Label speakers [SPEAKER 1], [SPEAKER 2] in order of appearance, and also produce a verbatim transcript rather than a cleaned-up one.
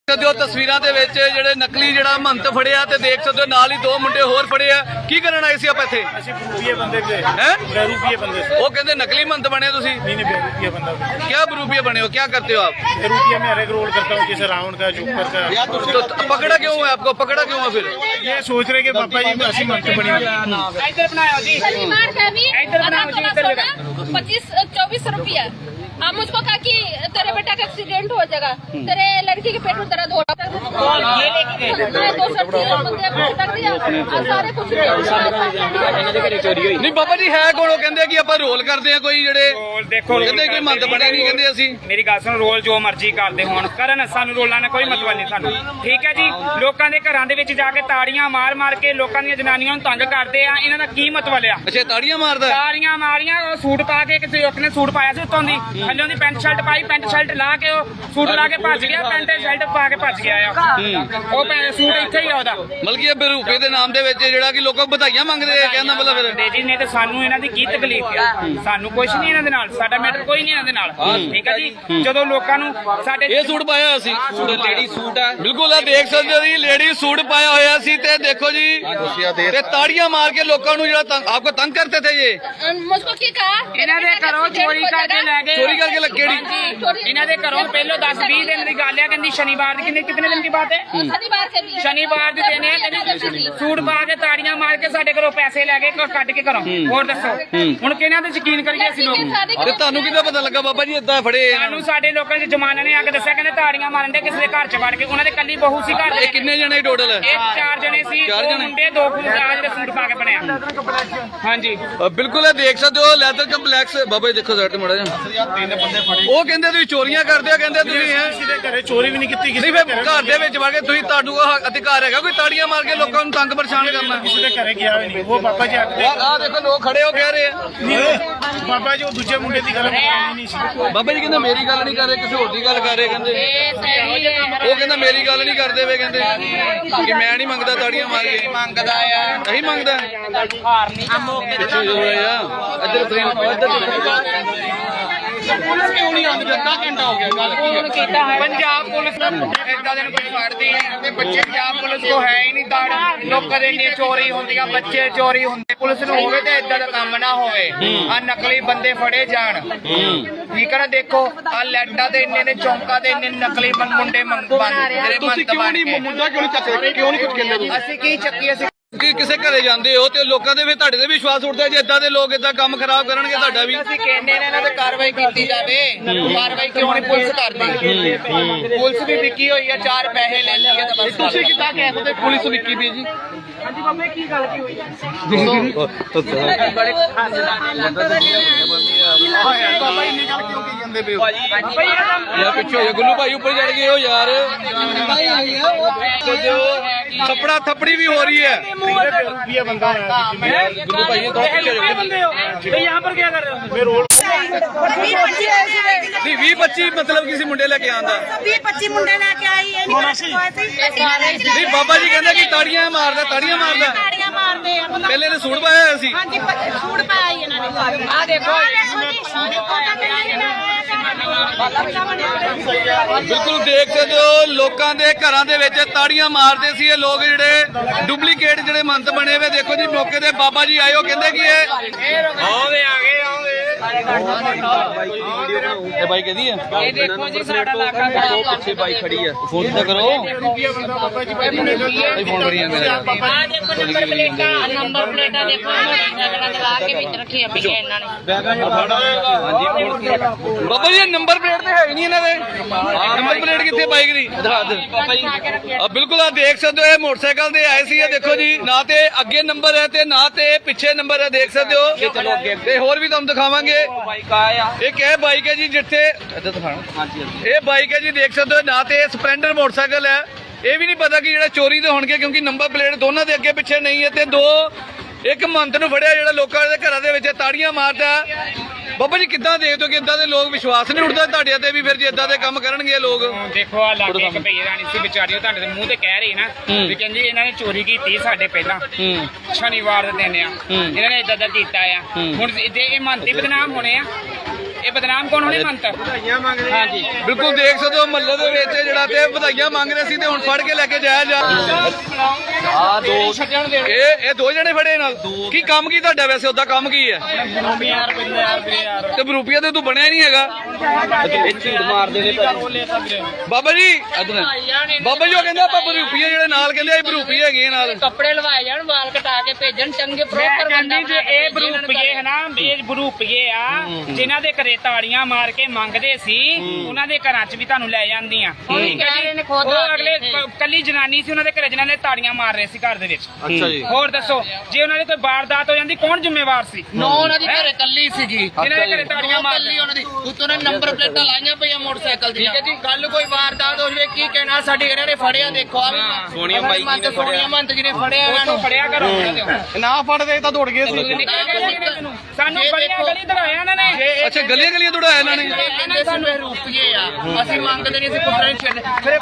[SPEAKER 1] ਸਕਦੇ ਹੋ ਤਸਵੀਰਾਂ ਦੇ ਵਿੱਚ ਜਿਹੜੇ ਨਕਲੀ ਜਿਹੜਾ ਮਹੰਤ ਫੜਿਆ ਤੇ ਦੇਖ ਸਕਦੇ ਹੋ ਨਾਲ ਹੀ ਦੋ ਮੁੰਡੇ ਹੋਰ ਫੜੇ ਆ। ਕੀ ਕਰਨ ਆਏ ਸੀ ਆਪਾਂ ਇੱਥੇ?
[SPEAKER 2] ਅਸੀਂ ਬਰੂਪੀਏ ਬੰਦੇ ਤੇ
[SPEAKER 1] ਹੈ
[SPEAKER 2] ਬਰੂਪੀਏ ਬੰਦੇ से।
[SPEAKER 1] ਉਹ ਕਹਿੰਦੇ ਨਕਲੀ ਮਹੰਤ ਬਣੇ ਤੁਸੀਂ?
[SPEAKER 2] नहीं नहीं बहरूपिया बंदा।
[SPEAKER 1] क्या बरूपिया बने हो, क्या करते हो आप?
[SPEAKER 2] बहरूपिया में हर एक रोल करता हूँ, जैसे रावण का, जोकर का।
[SPEAKER 1] तो पकड़ा क्यों है आपको? पकड़ा क्यों है फिर?
[SPEAKER 2] ये सोच रहे कि पापा जी असली मंत्र बनी
[SPEAKER 3] पच्चीस चौबीस रुपया। आप मुझको कहा कि तेरे बेटा का एक्सीडेंट हो जाएगा, तेरे लड़की के पेट में दर्द हो रहा
[SPEAKER 1] नहीं बाबा जी है कौन? कहते कि आप रोल करते हैं कोई ਜਿਹੜੇ
[SPEAKER 4] ਦੇਖੋ
[SPEAKER 1] ਕਹਿੰਦੇ ਕੋਈ ਮੰਦ ਬਣੇ ਨਹੀਂ ਕਹਿੰਦੇ ਅਸੀਂ।
[SPEAKER 4] ਮੇਰੀ ਗੱਲ ਸੁਣ, ਰੋਲ ਜੋ ਮਰਜ਼ੀ ਕਰਦੇ ਹੋਣ ਕਰਨ, ਸਾਨੂੰ ਰੋਲਾਂ ਨਾਲ ਕੋਈ ਮਤਲਬ ਨਹੀਂ ਸਾਨੂੰ, ਠੀਕ ਹੈ ਜੀ। ਲੋਕਾਂ ਦੇ ਘਰਾਂ ਦੇ ਵਿੱਚ ਜਾ ਕੇ ਤਾੜੀਆਂ ਮਾਰ ਮਾਰ ਕੇ ਲੋਕਾਂ ਦੀਆਂ ਜਨਾਨੀਆਂ ਨੂੰ ਤੰਗ ਕਰਦੇ ਆ, ਇਹਨਾਂ ਦਾ ਕੀ ਮਤਲਬ ਆ?
[SPEAKER 1] ਅੱਛਾ ਤਾੜੀਆਂ ਮਾਰਦਾ?
[SPEAKER 4] ਤਾੜੀਆਂ ਮਾਰੀਆਂ, ਉਹ ਸੂਟ ਪਾ ਕੇ, ਕਿਸੇ ਇੱਕ ਨੇ ਸੂਟ ਪਾਇਆ ਸੀ ਉੱਤੋਂ ਦੀ, ਥੱਲੋਂ ਦੀ ਪੈਂਟ ਸ਼ਰਟ ਪਾਈ, ਪੈਂਟ ਸ਼ਰਟ ਲਾ ਕੇ ਉਹ ਸੂਟ ਲਾ ਕੇ ਭੱਜ ਗਿਆ, ਪੈਂਟ ਸ਼ਰਟ ਪਾ ਕੇ ਭੱਜ ਗਿਆ ਆ। ਉਹ ਪੈ- ਸੂਟ ਇੱਥੇ ਹੀ ਆ ਉਹਦਾ।
[SPEAKER 1] ਮਤਲਬ ਕਿ ਬਰੂਪੇ ਦੇ ਨਾਮ ਦੇ ਵਿੱਚ ਜਿਹੜਾ ਕਿ ਲੋਕਾਂ ਵਧਾਈਆਂ ਮੰਗਦੇ ਆ, ਕਹਿੰਦਾ ਮਤਲਬ ਫਿਰ
[SPEAKER 4] ਜੀ ਨੇ ਤੇ ਸਾਨੂੰ ਇਹਨਾਂ ਦੀ ਕੀ ਤਕਲੀਫ ਆ? ਸਾਨੂੰ ਕੁਝ ਨਹੀਂ ਇਹਨਾਂ ਦੇ ਨਾਲ, ਸਾਡਾ ਮੈਟਰ ਕੋਈ ਨਹੀਂ ਇਹਨਾਂ ਦੇ ਨਾਲ, ਠੀਕ ਹੈ ਜੀ। ਜਦੋਂ ਲੋਕਾਂ ਨੂੰ ਸਾਡੇ
[SPEAKER 1] ਇਹ ਸੂਟ ਪਾਇਆ ਅਸੀਂ, ਲੇਡੀ ਸੂਟ ਹੈ ਬਿਲਕੁਲ ਆ ਦੇਖ ਸਕਦੇ ਹੋ ਜੀ, ਲੇਡੀ ਸੂਟ ਪਾਇਆ ਹੋਇਆ ਸੀ ਤੇ ਦੇਖੋ ਜੀ ਤੇ ਤਾੜੀਆਂ ਮਾਰ ਕੇ ਲੋਕਾਂ ਨੂੰ ਜਿਹੜਾ ਤੰਗ ਆਪਕੋ ਤੰਗ करते थे ये।
[SPEAKER 3] मुझको की कहा
[SPEAKER 4] ਇਹਨਾਂ ਦੇ ਘਰੋਂ ਚੋਰੀ ਕਰਕੇ ਲੈ ਗਏ।
[SPEAKER 1] चोरी करके लग केड़ी?
[SPEAKER 4] ਇਹਨਾਂ ਦੇ ਘਰੋਂ ਪਹਿਲੋਂ ਦਸ ਵੀਹ ਦਿਨ ਦੀ ਗੱਲ ਆ, ਕਹਿੰਦੀ ਸ਼ਨੀਵਾਰ ਦੀ, ਕਿੰਨੇ ਕਿਤਨੇ ਦਿਨ ਦੀ ਬਾਤ ਹੈ?
[SPEAKER 3] शनिवार से भी
[SPEAKER 4] ਸ਼ਨੀਵਾਰ ਦੀ ਦਿਨ ਹੈ, ਕਹਿੰਦੀ ਸੂਟ ਪਾ ਕੇ ਤਾੜੀਆਂ ਮਾਰ ਕੇ ਸਾਡੇ ਘਰੋਂ ਪੈਸੇ ਲੈ ਗਏ, ਕੱਢ ਕੇ ਘਰੋਂ। ਹੋਰ ਦੱਸੋ ਹੁਣ ਕਿਹਨਾਂ ਤੇ ਯਕੀਨ ਕਰੀਏ ਅਸੀਂ ਲੋਕ?
[SPEAKER 1] ਤੇ ਤੁਹਾਨੂੰ ਕਿੱਦਾਂ ਪਤਾ ਲੱਗਾ ਬਾਬਾ ਜੀ ਏਦਾਂ ਫੜੇ ਇਹਨਾਂ
[SPEAKER 4] ਸਾਨੂੰ
[SPEAKER 1] ਨੂੰ?
[SPEAKER 4] ਸਾਡੇ ਲੋਕਾਂ ਦੇ ਜਮਾਨੇ ਨੇ ਆ ਕੇ ਦੱਸਿਆ, ਕਹਿੰਦੇ ਤਾੜੀਆਂ ਮਾਰਨ ਦੇ ਕਿਸੇ ਦੇ ਘਰ ਚ ਵੜ ਕੇ। ਉਹਨਾਂ ਦੇ ਕੱਲੀ ਬਹੂ ਸੀ ਘਰ ਦੇ।
[SPEAKER 1] ਇਹ ਕਿੰਨੇ ਜਣੇ ਟੋਟਲ?
[SPEAKER 4] ਇਹ ਚਾਰ ਜਣੇ ਸੀ,
[SPEAKER 1] ਚਾਰ
[SPEAKER 4] ਦੋ
[SPEAKER 1] ਜਣੇ?
[SPEAKER 4] ਮੁੰਡੇ ਦੋ ਕੁੜੀਆਂ ਜਿਹੜੇ ਸੂਟ ਪਾ ਕੇ ਬਣਿਆ। ਹਾਂਜੀ
[SPEAKER 1] ਬਿਲਕੁਲ ਇਹ ਦੇਖ ਸਕਦੇ ਹੋ ਲੈਦਰ ਕੰਪਲੈਕਸ। ਬਾਬਾ ਜੀ ਦੇਖੋ ਸਾਈਡ ਤੇ ਮੜਾ ਜਾ।
[SPEAKER 2] ਤਿੰਨ ਬੰਦੇ ਫੜੇ।
[SPEAKER 1] ਉਹ ਕਹਿੰਦੇ ਤੁਸੀਂ ਚੋਰੀਆਂ ਕਰਦੇ ਆ, ਕਹਿੰਦੇ ਤੁਸੀਂ ਹੈ
[SPEAKER 2] ਕਿਸੇ ਦੇ ਘਰੇ ਚੋਰੀ ਵੀ ਨਹੀਂ ਕੀਤੀ, ਕਿਸੇ
[SPEAKER 1] ਨਹੀਂ
[SPEAKER 2] ਦੇ
[SPEAKER 1] ਫਿਰ ਘਰ ਦੇ ਵਿੱਚ ਵੜ ਕੇ ਤੁਸੀਂ ਤੁਹਾਨੂੰ ਉਹ ਅਧਿਕਾਰ ਹੈਗਾ ਕੋਈ ਤਾੜੀਆਂ ਮਾਰ ਕੇ ਲੋਕਾਂ ਨੂੰ ਤੰਗ ਪਰੇਸ਼ਾਨ ਕਰਨਾ?
[SPEAKER 2] ਕਿਸੇ ਦੇ ਘਰੇ ਗਿਆ ਵੀ ਨਹੀਂ। ਉਹ ਬਾਬਾ ਜੀ ਆਖਦੇ
[SPEAKER 1] ਆਹ ਦੇਖੋ ਲੋਕ ਖੜੇ ਹੋ ਕਹਿ ਰਹੇ ਆ।
[SPEAKER 2] ਨਹੀਂ, ਬਾਬਾ ਜੀ ਉਹ ਦੂਜੇ ਮੁੰਡੇ ਦੀ ਗੱਲ ਕਰਨੀ ਨਹੀਂ ਸੀ।
[SPEAKER 1] ਬਾਬਾ ਜੀ ਕਹਿੰਦੇ ਮੇਰੀ ਗੱਲ ਨਹੀਂ ਕਰ ਰਹੇ, ਕਿਸੇ ਹੋਰ ਦੀ ਗੱਲ ਕਰ ਰਹੇ ਕਹਿੰਦੇ। ਉਹ ਕਹਿੰਦਾ ਮੇਰੀ ਗੱਲ ਨਹੀਂ ਕਰਦੇ ਵੇ, ਕਹਿੰਦੇ ਕਿ ਮੈਂ ਨਹੀਂ ਮੰਗਦਾ ਤਾੜੀਆਂ ਮਾਰ ਕੇ।
[SPEAKER 4] ਮੰਗਦਾ ਆ,
[SPEAKER 1] ਨਹੀਂ ਮੰਗਦਾ
[SPEAKER 4] ਹਾਰ ਨਹੀਂ
[SPEAKER 1] ਪਿੱਛੇ ਜੋ ਹੋਇਆ ਇੱਧਰ ਫਰੇਮ ਇੱਧਰ ਪੁਲਿਸ ਕਿਉਂ ਨਹੀਂ ਆਉਂਦੀ? ਅੱਧਾ ਘੰਟਾ ਹੋ ਗਿਆ ਗੱਲ
[SPEAKER 4] ਫੋਨ ਕੀਤਾ ਹੈ ਪੰਜਾਬ ਪੁਲਿਸ ਇਦਾਂ ਦੇ ਕੋਈ ਫੜਦੀ ਨਹੀਂ ਤੇ ਬੱਚੇ ਪੰਜਾਬ ਪੁਲਿਸ ਕੋ ਹੈ ਹੀ ਨਹੀਂ ਤਾੜ। ਲੋਕਾਂ ਦੇ ਇੰਨੀ ਚੋਰੀ ਹੁੰਦੀਆਂ, ਬੱਚੇ ਚੋਰੀ ਹੁੰਦੇ, ਪੁਲਿਸ ਨੂੰ ਹੋਵੇ ਤੇ ਇਦਾਂ ਦਾ ਕੰਮ ਨਾ ਹੋਵੇ। ਆ ਨਕਲੀ ਬੰਦੇ ਫੜੇ ਜਾਣ, ਠੀਕ ਹੈ ਨਾ। ਦੇਖੋ ਆ ਲੈਟਾਂ ਦੇ ਇੰਨੇ ਨੇ, ਚੌਂਕਾਂ ਦੇ ਇੰਨੇ ਨਕਲੀ ਮੁੰਡੇ ਮੰਗ ਬੰਦ ਜਿਹੜੇ
[SPEAKER 1] ਤੁਸੀਂ
[SPEAKER 4] ਮੰਤ
[SPEAKER 1] ਕਿਉਂ
[SPEAKER 4] ਬਣ
[SPEAKER 1] ਨਹੀਂ
[SPEAKER 4] ਕੇ।
[SPEAKER 1] ਮੁੰਡਾ ਕਿਉਂ ਨਹੀਂ ਚੱਕਦੇ? ਕਿਉਂ ਨਹੀਂ ਕੁਝ ਕਹਿੰਦੇ ਤੁਸੀਂ?
[SPEAKER 4] ਅਸੀਂ ਕੀ ਚੱਕੀ? ਅਸੀਂ
[SPEAKER 1] ਕਿ ਕਿਸੇ ਘਰੇ ਜਾਂਦੇ ਹੋ ਤੇ ਲੋਕਾਂ ਦੇ ਵੀ ਤੁਹਾਡੇ ਤੇ ਵਿਸ਼ਵਾਸ ਉੱਠਦਾ ਜੇ ਇਦਾਂ ਦੇ ਲੋਕ ਇਦਾਂ ਕੰਮ ਖਰਾਬ ਕਰਨਗੇ ਤੁਹਾਡਾ ਵੀ।
[SPEAKER 4] ਅਸੀਂ ਕਹਿੰਦੇ ਨੇ ਇਹਨਾਂ ਤੇ ਕਾਰਵਾਈ ਕੀਤੀ ਜਾਵੇ। ਕਾਰਵਾਈ ਕਿਉਂ ਨਹੀਂ ਪੁਲਿਸ ਕਰਦੀ? ਪੁਲਿਸ ਵੀ ਵਿਕੀ ਹੋਈ ਆ, ਚਾਰ ਪੈਸੇ ਲੈ ਲਈਏ ਤਾਂ ਬਸ।
[SPEAKER 1] ਤੁਸੀਂ ਕਿੱਦਾਂ ਕਹਿ ਸਕਦੇ ਪੁਲਿਸ ਵਿਕੀ ਪਈ ਜੀ?
[SPEAKER 4] ਹਾਂਜੀ ਬਾਬੇ ਕੀ ਗੱਲ ਕੀ ਹੋਈ?
[SPEAKER 1] ਬੜੇ ਬਾਬਾ ਇੰਨੀ ਗੱਲ ਕਿਉਂ ਕੀ ਜਾਂਦੇ ਪਏ ਹੋ? ਯਾਰ ਪਿੱਛੇ ਹੋ ਜਾ ਗੁੱਲੂ ਭਾਈ, ਉੱਪਰ ਚੜ ਗਏ ਹੋ ਯਾਰ। ਥੱਪੜਾ ਥੱਪੜੀ ਵੀ ਹੋ ਰਹੀ ਹੈ।
[SPEAKER 2] ਬਰੂਪੀਆ ਬੰਦਾ ਹੈ।
[SPEAKER 1] ਗੁੱਲੂ ਭਾਈ ਥੋੜਾ ਪਿੱਛੇ ਹੋ ਜਾ।
[SPEAKER 4] यहाँ पर क्या कर रहे हो?
[SPEAKER 2] ਮੈਂ ਰੋਲ
[SPEAKER 1] ਨਹੀਂ ਵੀਹ ਪੱਚੀ ਮਤਲਬ ਕਿਸੇ ਮੁੰਡੇ ਲੈ ਕੇ ਆਂਦਾ?
[SPEAKER 5] ਵੀਹ ਪੱਚੀ ਮੁੰਡੇ ਲੈ ਕੇ ਆਈ ਇਹ ਨਹੀਂ
[SPEAKER 1] ਨਹੀਂ ਬਾਬਾ ਜੀ ਕਹਿੰਦੇ ਕਿ ਤਾੜੀਆਂ ਮਾਰਦਾ, ਤਾੜੀਆਂ ਮਾਰਦਾ।
[SPEAKER 5] ਤਾੜੀਆਂ ਮਾਰਦੇ ਆ ਮਤਲਬ
[SPEAKER 1] ਪਹਿਲੇ ਨੇ ਸੂਟ ਪਾਇਆ ਹੋਇਆ ਸੀ।
[SPEAKER 5] ਹਾਂਜੀ ਸੂਟ ਪਾਇਆ ਹੀ ਇਹਨਾਂ ਨੇ। ਆ ਦੇਖੋ
[SPEAKER 1] ਬਿਲਕੁਲ ਦੇਖ ਸਕਦੇ ਹੋ ਲੋਕਾਂ ਦੇ ਘਰਾਂ ਦੇ ਵਿੱਚ ਤਾੜੀਆਂ ਮਾਰਦੇ ਸੀ ਇਹ ਲੋਕ, ਜਿਹੜੇ ਡੁਪਲੀਕੇਟ ਜਿਹੜੇ ਮੰਤ ਬਣੇ ਹੋਏ। ਦੇਖੋ ਜੀ ਮੌਕੇ ਤੇ ਬਾਬਾ ਜੀ ਆਏ, ਉਹ ਕਹਿੰਦੇ ਕਿ ਇਹ
[SPEAKER 4] ਆਉਂਦੇ ਆ ਗਏ ਆਉਂਦੇ।
[SPEAKER 1] ਇਹ ਬਾਈ ਕਹਦੀ ਹੈ
[SPEAKER 4] ਇਹ ਦੇਖੋ ਜੀ ਸਾਡਾ ਇਲਾਕਾ ਖਰਾਬ
[SPEAKER 1] ਪਿੱਛੇ ਬਾਈ ਖੜੀ ਹੈ, ਫੋਨ ਤਾਂ ਕਰੋ।
[SPEAKER 2] ਬਰੂਪੀਆ ਬੰਦਾ ਬਾਬਾ ਜੀ ਭਾਈ ਮੁੰਡੇ
[SPEAKER 1] ਭਾਈ ਫੋਨ ਕਰੀ ਜਾਂਦੇ ਨੇ।
[SPEAKER 3] ਆ ਦੇਖੋ ਨੰਬਰ ਪਲੇਟਾਂ, ਨੰਬਰ ਪਲੇਟਾਂ ਦੇਖੋ ਨਗਰਾਂ ਦੇ ਲਾ ਕੇ ਵਿੱਚ ਰੱਖੀਆਂ ਪਈਆਂ ਇਹਨਾਂ ਨੇ।
[SPEAKER 1] ਬਾਬਾ ਜੀ ਨੰਬਰ ਪਲੇਟ ਤੇ ਹੈ ਹੀ ਨਹੀਂ ਇਹਨਾਂ ਦੇ। ਨੰਬਰ ਪਲੇਟ ਕਿੱਥੇ ਬਾਈਕ ਦੀ? ਦਿਖਾ ਦੇ ਬਾਬਾ ਜੀ। ਆ ਬਿਲਕੁਲ ਆ ਦੇਖ ਸਕਦੇ ਹੋ ਇਹ ਮੋਟਰਸਾਈਕਲ ਤੇ ਆਏ ਸੀ। ਇਹ ਦੇਖੋ ਜੀ ਨਾ ਤੇ ਅੱਗੇ ਨੰਬਰ ਹੈ ਤੇ ਨਾ ਤੇ ਪਿੱਛੇ ਨੰਬਰ ਹੈ, ਦੇਖ ਸਕਦੇ ਹੋ। ਚਲੋ ਅੱਗੇ ਤੇ ਹੋਰ ਵੀ ਤੁਹਾਨੂੰ ਦਿਖਾਵਾਂਗੇ।
[SPEAKER 4] ਬਾਈਕ ਆਇਆ
[SPEAKER 1] ਇਹ ਕਿਹ ਬਾਈਕ ਹੈ ਜੀ ਜਿੱਥੇ ਇੱਧਰ ਦਿਖਾਣਾ। ਇਹ ਬਾਈਕ ਹੈ ਜੀ, ਦੇਖ ਸਕਦੇ ਹੋ। ਨਾ ਤੇ ਸਪਲੈਂਡਰ ਮੋਟਰਸਾਈਕਲ ਹੈ। ਇਹ ਵੀ ਨਹੀਂ ਪਤਾ ਕਿ ਜਿਹੜਾ ਚੋਰੀ ਦੇ ਹੋਣਗੇ, ਕਿਉਂਕਿ ਨੰਬਰ ਪਲੇਟ ਦੋਨਾਂ ਦੇ ਅੱਗੇ ਪਿੱਛੇ ਨਹੀਂ ਹੈ। ਤੇ ਦੋ ਇੱਕ ਮੰਤ ਨੂੰ ਫੜਿਆ ਜਿਹੜਾ ਲੋਕਾਂ ਦੇ ਘਰਾਂ ਦੇ ਵਿੱਚ ਤਾੜੀਆਂ ਮਾਰਦਾ। ਬਾਬਾ ਜੀ ਕਿੱਦਾਂ ਦੇਖਦੇ ਹੋ ਕਿ ਇਦਾਂ ਦੇ ਲੋਕ ਵਿਸ਼ਵਾਸ ਨਹੀਂ ਉੱਠਦਾ ਤੁਹਾਡੇ ਤੇ ਵੀ ਫਿਰ ਜੇ ਇਦਾਂ ਦੇ ਕੰਮ ਕਰਨਗੇ ਲੋਕ?
[SPEAKER 4] ਦੇਖੋ ਆ ਲਾਗੇ ਇੱਕ ਭਈ ਰਾਣੀ ਸੀ ਵਿਚਾਰੀ, ਉਹ ਤੁਹਾਡੇ ਦੇ ਮੂੰਹ ਤੇ ਕਹਿ ਰਹੀ ਨਾ ਵੀ ਕਹਿੰਦੀ ਇਹਨਾਂ ਨੇ ਚੋਰੀ ਕੀਤੀ ਸਾਡੇ ਪਹਿਲਾਂ ਸ਼ਨੀਵਾਰ ਦੇ ਦਿਨ ਆ, ਇਹਨਾਂ ਨੇ ਇਦਾਂ ਦਾ ਕੀਤਾ ਆ। ਹੁਣ ਜੇ ਇਹ ਮੰਨਤੀ ਬਦਨਾਮ ਹੋਣੇ ਆ, ਇਹ ਬਦਨਾਮ ਕੌਣ ਹੋਣੇ ਮੰਤ ਹਾਂਜੀ
[SPEAKER 1] ਬਿਲਕੁਲ ਦੇਖ ਸਕਦੇ ਹੋ ਮਹੱਲੇ ਦੇ ਵਿੱਚ ਜਿਹੜਾ ਤੇ ਵਧਾਈਆਂ ਮੰਗ ਰਹੇ ਸੀ ਤੇ ਹੁਣ ਫੜ ਕੇ ਲੈ ਕੇ ਜਾਇਆ ਜਾ
[SPEAKER 4] ਆ ਦੋ ਛੱਡਣ ਦੇ
[SPEAKER 1] ਇਹ ਇਹ ਦੋ ਜਣੇ ਫੜੇ ਨਾਲ ਕੀ ਕੰਮ ਕੀ ਤੁਹਾਡਾ ਵੈਸੇ ਉਹਦਾ ਕੰਮ ਕੀ ਹੈ
[SPEAKER 4] ਯਾਰ ਬਿੰਦੇ ਯਾਰ ਵੀਰੇ ਯਾਰ
[SPEAKER 1] ਤੇ ਬਰੂਪੀਆ ਤੇ ਤੂੰ ਬਣਿਆ ਹੀ ਨਹੀਂ ਹੈਗਾ
[SPEAKER 4] ਇਹ ਝੀੜ ਮਾਰਦੇ ਨੇ
[SPEAKER 1] ਬਾਬਾ ਜੀ ਇੱਧਰ ਬਾਬਾ ਜੀ ਉਹ ਕਹਿੰਦੇ ਆਪਾਂ ਬਰੂਪੀਆ ਜਿਹੜੇ ਨਾਲ ਕਹਿੰਦੇ ਆ ਬਰੂਪੀਆ ਹੈਗੇ ਨਾਲ
[SPEAKER 3] ਕੱਪੜੇ ਲਵਾਏ ਜਾਣ ਵਾਲ ਕਟਾ ਕੇ ਭੇਜਣ ਚੰਗੇ ਪ੍ਰੋਪਰ ਬੰਦਾ
[SPEAKER 6] ਜੇ ਇਹ ਬਰੂਪੀਏ ਹੈ ਨਾ ਇਹ ਬਰੂਪੀਏ ਆ ਜਿਨ੍ਹਾਂ ਦੇ ਘਰੇ ਤਾੜੀਆਂ ਮਾਰ ਕੇ ਮੰਗਦੇ ਸੀ ਉਹਨਾਂ ਦੇ ਘਰਾਂ 'ਚ ਵੀ ਤੁਹਾਨੂੰ ਲੈ ਜਾਂਦੀਆਂ ਠੀਕ ਹੈ ਜੀ ਉਹ ਅਗਲੇ ਕੱਲੀ ਜਨਾਨੀ ਸੀ ਉਹਨਾਂ ਦੇ ਘਰੇ ਜਿਨ੍ਹਾਂ ਨੇ ਤਾੜੀਆਂ ਮਾਰ ਰਹੇ ਸੀ ਘਰ ਦੇ ਵਿੱਚ
[SPEAKER 1] ਅੱਛਾ ਜੀ
[SPEAKER 6] ਹੋਰ ਦੱਸੋ ਜੇ ਉਹਨਾਂ ਦੇ ਕੋਈ ਵਾਰਦਾਤ ਹੋ ਜਾਂਦੀ ਕੌਣ ਜ਼ਿੰਮੇਵਾਰ ਸੀ
[SPEAKER 4] ਨੋ ਉਹਨਾਂ ਦੀ ਘਰੇ ਕੱਲੀ ਸੀਗੀ
[SPEAKER 6] ਜਿਨ੍ਹਾਂ ਦੇ ਘਰੇ ਤਾੜੀਆਂ ਮਾਰ
[SPEAKER 4] ਕੱਲੀ ਉਹਨਾਂ ਦੀ ਉੱਤੋਂ ਨੇ ਨੰਬਰ ਪਲੇਟਾਂ ਲਾਈਆਂ ਪਈਆਂ ਮੋਟਰਸਾਈਕਲ ਦੀਆਂ ਠੀਕ ਹੈ ਜੀ ਕੱਲ ਕੋਈ ਵਾਰਦਾਤ ਹੋ ਜਵੇ ਕੀ ਕਹਿਣਾ ਸਾਡੇ ਇਹਨਾਂ ਨੇ ਫੜਿਆ ਦੇਖੋ ਆ ਵੀ ਸੋਨੀਆ ਮਾਈ ਜੀ ਨੇ ਸੋਨੀਆ ਮੰਤ ਜੀ ਨੇ ਫੜਿਆ ਇਹਨਾਂ ਨੂੰ
[SPEAKER 6] ਫੜਿਆ ਕਰੋ
[SPEAKER 1] ਨਾ ਫੜਦੇ ਤਾਂ ਦੌੜ ਗਏ ਸੀ
[SPEAKER 6] ਸਾਨੂੰ ਬੜੀਆਂ ਗਲੀ ਦੜਾਇਆ ਇਹਨਾਂ ਨੇ
[SPEAKER 1] ਅੱਛਾ ਗਲੀਆਂ ਗਲੀਆਂ ਦੌੜਾਇਆ ਇਹਨਾਂ ਨੇ
[SPEAKER 4] ਕਹਿੰਦੇ ਸਾਨੂੰ ਇਹ ਰੁਪਈਏ ਆ ਅਸੀਂ ਮੰਗਦੇ ਨਹੀਂ ਅਸੀਂ ਕੁੱਟਣ ਛੱਡ ਫਿਰ